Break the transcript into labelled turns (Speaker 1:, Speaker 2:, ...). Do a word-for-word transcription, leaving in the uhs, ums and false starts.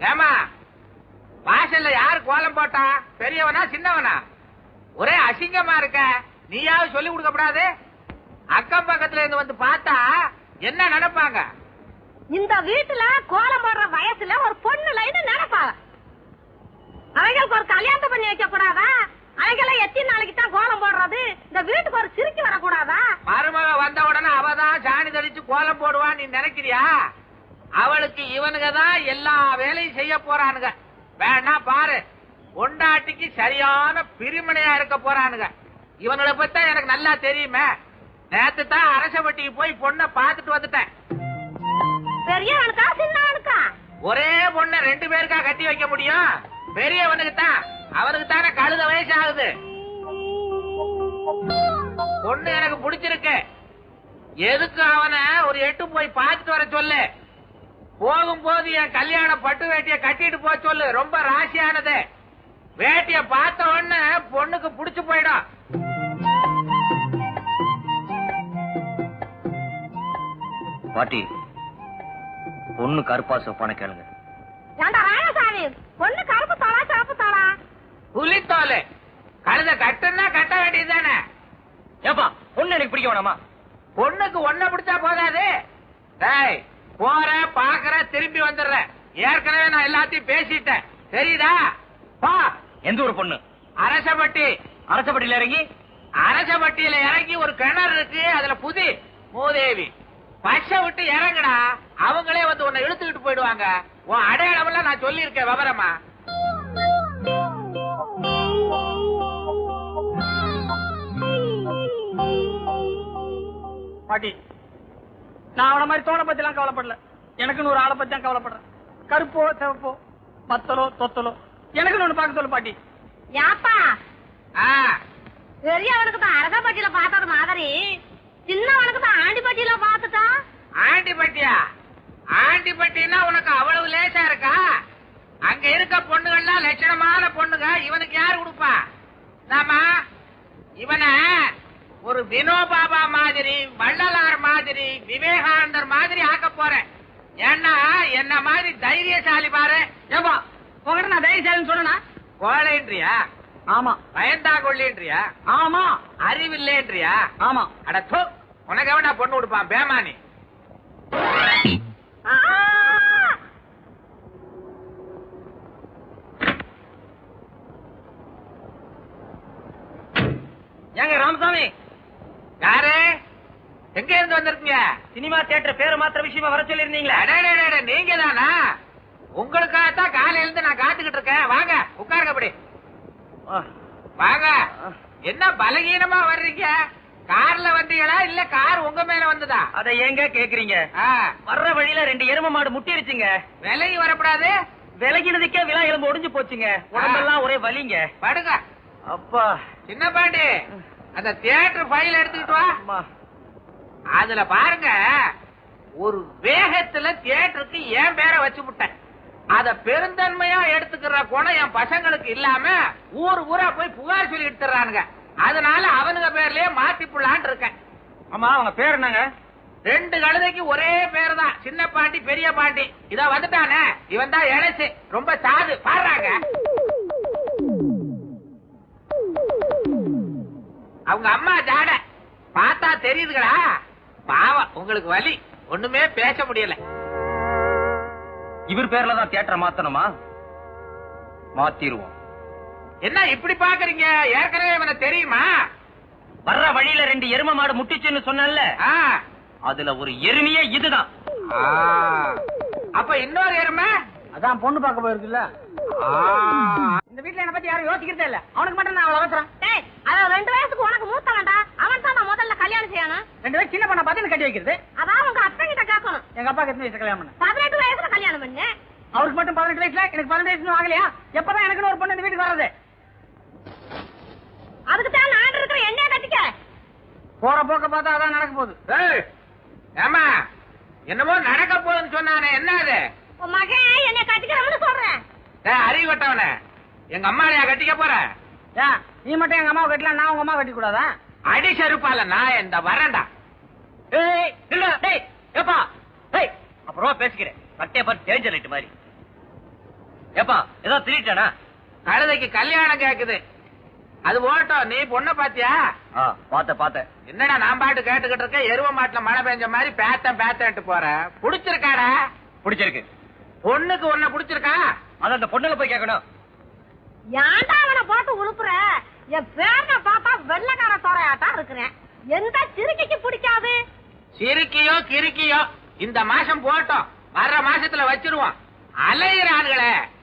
Speaker 1: ஏமா வாசல்ல யாரு கோலம் போட்டா? பெரியவனா சின்னவனா? ஒரே அசிங்கமா இருக்க. நீயாவது சொல்லி கொடுக்கப்படாது? அக்கம் பக்கத்துல இருந்து வந்து பார்த்தா என்ன நினைப்பாங்க?
Speaker 2: இந்த வீட்டுல கோலம் போடுற வயசுல ஒரு பொண்ணு லைன்னு நினைப்பாங்க. அவைகளுக்கு ஒரு கல்யாணத்தை பண்ணி வைக்க கூடாதா? அவைகளை எத்தனை நாளைக்கு தான் கோலம் போடுறது? இந்த வீட்டுக்கு ஒரு சிரிக்கு வரக்கூடாதா?
Speaker 1: மருமக வந்த உடனே அவதான் சாணி தெளிச்சு கோலம் போடுவான்னு நீ நினைக்கிறியா? அவளுக்கு இவனுங்க தான் எல்லா வேலையும் செய்ய போறானுங்க. வேணா பாரு, பொண்டாட்டிக்கு சரியான பிரிமனையா இருக்க போறானுங்க. இவனுங்களை பத்தி எனக்கு நல்லா தெரியுமே. நேத்து தான் அரசவட்டிக்கு போய் பொண்ணை பாத்துட்டு வந்துட்டேன்.
Speaker 2: பெரியவனுக்கா சின்னவனுக்கா?
Speaker 1: ஒரே பொண்ணை ரெண்டு பேருக்கா கட்டி வைக்க முடியும்? பெரியவனுக்கு தான். அவனுக்கு தானே கழுத வயசு ஆகுது. பொண்ணு எனக்கு பிடிச்சிருக்கு. எதுக்கு அவனை ஒரு எட்டு போய் பார்த்துட்டு வர சொல்லு. போகும்போது என் கல்யாண பட்டு வேட்டிய கட்டிட்டு போக சொல்லு. ரொம்ப ராசியானது. வேட்டிய பார்த்த உடனே பொண்ணுக்கு புடிச்சு போயிடும்.
Speaker 3: பாட்டி, பொண்ணு கருப்பா சொப்பான கேளுங்க.
Speaker 2: ராயசாமி, பொண்ணு கருப்பு தாளா சிவப்பு தாளா?
Speaker 1: புலித்தோலு. கழுத கட்டுன்னா கட்ட வேண்டியதுதானே.
Speaker 3: ஏப்பா, பொண்ணு எனக்கு பிடிக்க வேணாமா?
Speaker 1: பொண்ணுக்கு ஒன்ன பிடிச்சா போதாது. டேய், போற பாக்குற திரும்பி வந்துடுற. ஏற்கனவே நான் எல்லாத்தையும் பேசிட்டேன், தெரியுதா? பா.
Speaker 3: எந்த ஒரு பொண்ணு?
Speaker 1: அரசப்பட்டி.
Speaker 3: அரசப்பட்டியில இறங்கி?
Speaker 1: அரசப்பட்டியில இறங்கி ஒரு கிணறு இருக்கு, அதுல புதி மூதேவி. பச்சை விட்டு இறங்குடா, அவங்களே வந்து உன்னை இழுத்துக்கிட்டு போயிடுவாங்க. உன் அடையாளம் எல்லாம் நான் சொல்லி இருக்கேன் விவரமா.
Speaker 4: பாட்டி, நான் அவன மாதிரி தோணை பத்தி எல்லாம் கவலைப்படல. எனக்குன்னு ஒரு ஆளை பத்தி தான் கவலைப்படுறேன். கருப்போ சிவப்போ மத்தலோ தொத்தலோ எனக்குன்னு ஒண்ணு பார்க்க சொல்லு பாட்டி.
Speaker 2: யாப்பா, பெரியவனுக்கு தான் அரசப்பட்டியில பார்த்தது மாதிரி சின்னவனுக்கு தான் ஆண்டிப்பட்டியில பார்த்துட்டா.
Speaker 1: ஆண்டிப்பட்டியா? ஆண்டிப்பட்டினா உனக்கு அவ்வளவு லேசா இருக்கா? அங்க இருக்க பொண்ணுகள்லாம் லட்சணமான பொண்ணுங்க. இவனுக்கு யாரு கொடுப்பா? நாம இவனை ஒரு வினோபாபா மாதிரி, வள்ளலார் மாதிரி, விவேகானந்தர் மாதிரி ஆக்க போறேன். ஏன்னா என்ன மாதிரி தைரியசாலி பாரு.
Speaker 4: ஏப்பா, உங்ககிட்ட நான் தைரியசாலின்னு சொன்னா
Speaker 1: கோழைன்றியா?
Speaker 4: ஆமா.
Speaker 1: பயந்தா கொள்ளின்றியா?
Speaker 4: ஆமா.
Speaker 1: அறிவில்லைன்றியா?
Speaker 4: ஆமா.
Speaker 1: அட தோ, உனக்கு எவனா பொண்ணு கொடுப்பான் பேமானி?
Speaker 4: ஏங்க ராமசாமி?
Speaker 1: யாரு? எங்க இருந்து வந்திருக்கீங்க?
Speaker 4: சினிமா தியேட்டர் பேரை மாத்திர விஷயமா வர சொல்லி இருந்தீங்களா?
Speaker 1: நீங்க தானா? உங்களுக்காகத்தான் காலையில இருந்து நான் காத்துக்கிட்டு இருக்கேன். வாங்க உட்காருங்க. அப்படி வாங்க. என்ன பலகீனமா வர்றீங்க? கார்ல வந்தீங்களா இல்ல கார் உங்க மேல வந்ததா?
Speaker 4: அத ஏங்க கேக்குறீங்க? வர்ற வழியில ரெண்டு எரும மாடு முட்டிருச்சுங்க.
Speaker 1: விலகி வரப்படாது.
Speaker 4: விலகினதுக்கே விழா எலும்பு ஒடிஞ்சு போச்சுங்க. உடம்பெல்லாம் ஒரே வலிங்க.
Speaker 1: படுங்க.
Speaker 4: அப்பா.
Speaker 1: சின்ன பாண்டி, அந்த தியேட்டர் ஃபைல் எடுத்துக்கிட்டு வா. அதுல பாருங்க, ஒரு வேகத்துல தியேட்டருக்கு என் பேரை வச்சு விட்டேன். அத பெருந்தன்மையா எடுத்துக்கிற குணம் என் பசங்களுக்கு இல்லாம ஊர் ஊரா போய் புகார் சொல்லி எடுத்துறானுங்க. அதனால அவனுங்க பேர்லயே மாத்தி புள்ளான் இருக்கேன்.
Speaker 4: ஆமா, அவங்க பேர் என்னங்க?
Speaker 1: ரெண்டு கழுதைக்கு ஒரே பேர் தான், சின்ன பாண்டி பெரிய பாண்டி. இத வந்துட்டானே, இவன் தான் இழைச்சு ரொம்ப சாது பாடுறாங்க. அவங்க அம்மா ஜாட பார்த்தா தெரியுதுங்களா? பாவம், உங்களுக்கு வலி, ஒண்ணுமே பேச முடியல.
Speaker 3: இவர் பேர்ல தான் தியேட்டர் மாத்தணுமா? மாத்திருவோம்.
Speaker 1: என்ன இப்படி பாக்குறீங்க? ஏற்கனவே இவனை தெரியுமா?
Speaker 3: வர்ற வழியில ரெண்டு எரும மாடு முட்டிச்சுன்னு சொன்னல, அதுல ஒரு எருமையே இதுதான்.
Speaker 1: அப்ப இன்னொரு எருமை
Speaker 4: அதான் பொண்ணு பார்க்க போயிருக்குல்ல. இந்த வீட்டுல என்ன பத்தி யாரும் யோசிக்கிறதே இல்ல. அவனுக்கு மட்டும் நான் அவ்வளவு அவசரம்.
Speaker 2: அதான் ரெண்டு வயசுக்கு உனக்கு மூத்த வேண்டாம். அவன் தான் முதல்ல கல்யாணம் செய்யணும்.
Speaker 4: ரெண்டு வயசு சின்ன பண்ண பார்த்து கட்டி வைக்கிறது.
Speaker 2: அதான் உங்க அத்தை கிட்ட கேட்கணும்.
Speaker 4: எங்க அப்பாக்கு எத்தனை வயசு கல்யாணம் பண்ண?
Speaker 2: பதினெட்டு வயசுல கல்யாணம் பண்ணு.
Speaker 4: அவருக்கு மட்டும் பதினெட்டு வயசுல, எனக்கு பதினெட்டு வயசு ஆகலையா? எப்பதான் எனக்கு ஒரு பொண்ணு இந்த வீட்டுக்கு வர்றது?
Speaker 2: அதுக்கு தான் நான் இருக்கிற எண்ணெய கட்டிக்க.
Speaker 4: போற போக்க பார்த்தா அதான் நடக்க போகுது.
Speaker 1: ஏமா, என்னமோ நடக்க போகுதுன்னு சொன்னானே, என்ன அது?
Speaker 2: உன் மகன் என்னை கட்டிக்கிறவனு சொல்றேன்.
Speaker 1: அறிவு கட்டவன, எங்க அம்மாளையா கட்டிக்க போற?
Speaker 4: நீ மட்டும் எங்க அம்மாவை கட்டலாம், நான் உங்க அம்மா கட்டி கூடாதா?
Speaker 1: அடி செருப்பால நான் இந்த வரேன்டா.
Speaker 3: அப்புறமா பேசிக்கிறேன். கட்டே பார்த்து டேஞ்சர் லைட் மாதிரி. ஏப்பா ஏதோ திருட்டானா?
Speaker 1: கழுதைக்கு கல்யாணம் கேக்குது. அது ஓட்டம். நீ பொண்ண பாத்தியா?
Speaker 3: பாத்த பாத்த.
Speaker 1: என்னடா நான் பாட்டு கேட்டுக்கிட்டு இருக்க, எருவ மாட்டுல மழை பெஞ்ச மாதிரி பேத்தம் பேத்தன்ட்டு போற. புடிச்சிருக்காடா?
Speaker 3: பிடிச்சிருக்கு.
Speaker 1: பொண்ணுக்கு ஒன்ன புடிச்சிருக்கா?
Speaker 3: அத அந்த பொண்ணுல போய் கேட்கணும்.
Speaker 2: ஏன்டா அவனை போட்டு உழுப்புற? என் பேரனை பார்த்தா வெள்ளக்கார தோரையாட்டா இருக்கிறேன். எந்த சிறுக்கைக்கு பிடிக்காது?
Speaker 1: சிறுக்கியோ கிறுக்கியோ இந்த மாசம் போட்டோம், வர்ற மாசத்துல வச்சிருவோம். அலையிற ஆளுகளே